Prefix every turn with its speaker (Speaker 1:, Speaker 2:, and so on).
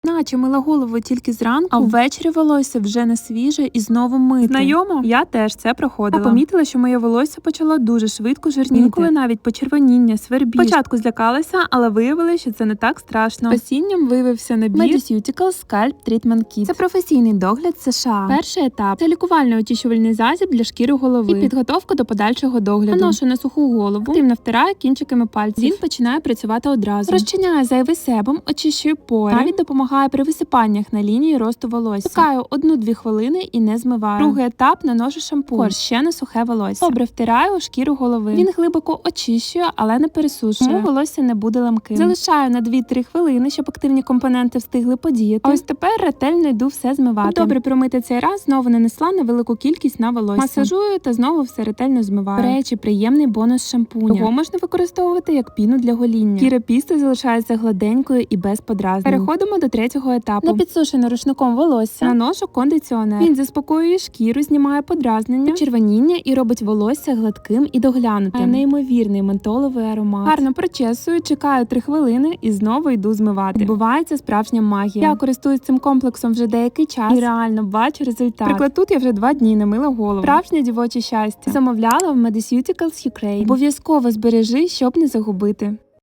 Speaker 1: Наче мила голову тільки зранку, а ввечері волосся вже не свіже і знову мити.
Speaker 2: Знайомо? Я теж це проходила.
Speaker 1: Я помітила, що моє волосся почало дуже швидко жирніти.
Speaker 2: Інколи навіть почервоніння, свербіж.
Speaker 1: Спочатку злякалася, але виявилося, що це не так страшно. Спасінням виявився набір Mediceuticals Scalp Treatment Kit. Це професійний догляд США. Перший етап – це лікувальний очищувальний засіб для шкіри голови і підготовка до подальшого догляду. Наношу на суху голову, активно втираю кінчиками пальців. Він починає працювати одразу. Розчиняю зайвий себум, очищую пори. Навіть допомагає при висипаннях на лінії росту волосся. Чекаю 1-2 хвилини і не змиваю. Другий етап – наношу шампунь. Ще на сухе волосся. Добре втираю у шкіру голови. Він глибоко очищує, але не пересушує. Тому волосся не буде ламким. Залишаю на 2-3 хвилини, щоб активні компоненти встигли подіяти. А ось тепер ретельно йду все змивати. Добре промити цей раз, знову нанесла на велику кількість на волосся. Масажую та знову все ретельно змиваю. До речі, приємний бонус шампуня. Його можна використовувати як піну для гоління. Шкіра пісти залишається гладенькою і без подразнень. Переходимо до третього етапу. На підсушене рушником волосся наношу кондиціонер. Він заспокоює шкіру, знімає подразнення, почервоніння і робить волосся гладким і доглянутим. Неймовірний ментоловий аромат. Гарно прочесую, чекаю 3 хвилини і знову йду змивати. Відбувається справжня магія. Я користуюсь цим комплексом вже деякий час і реально бачу результат. Приклад, тут я вже 2 дні не мила голову. Справжнє дівоче щастя. Замовляла в Mediceuticals Ukraine. Обов'язково збережи, щоб не загубити.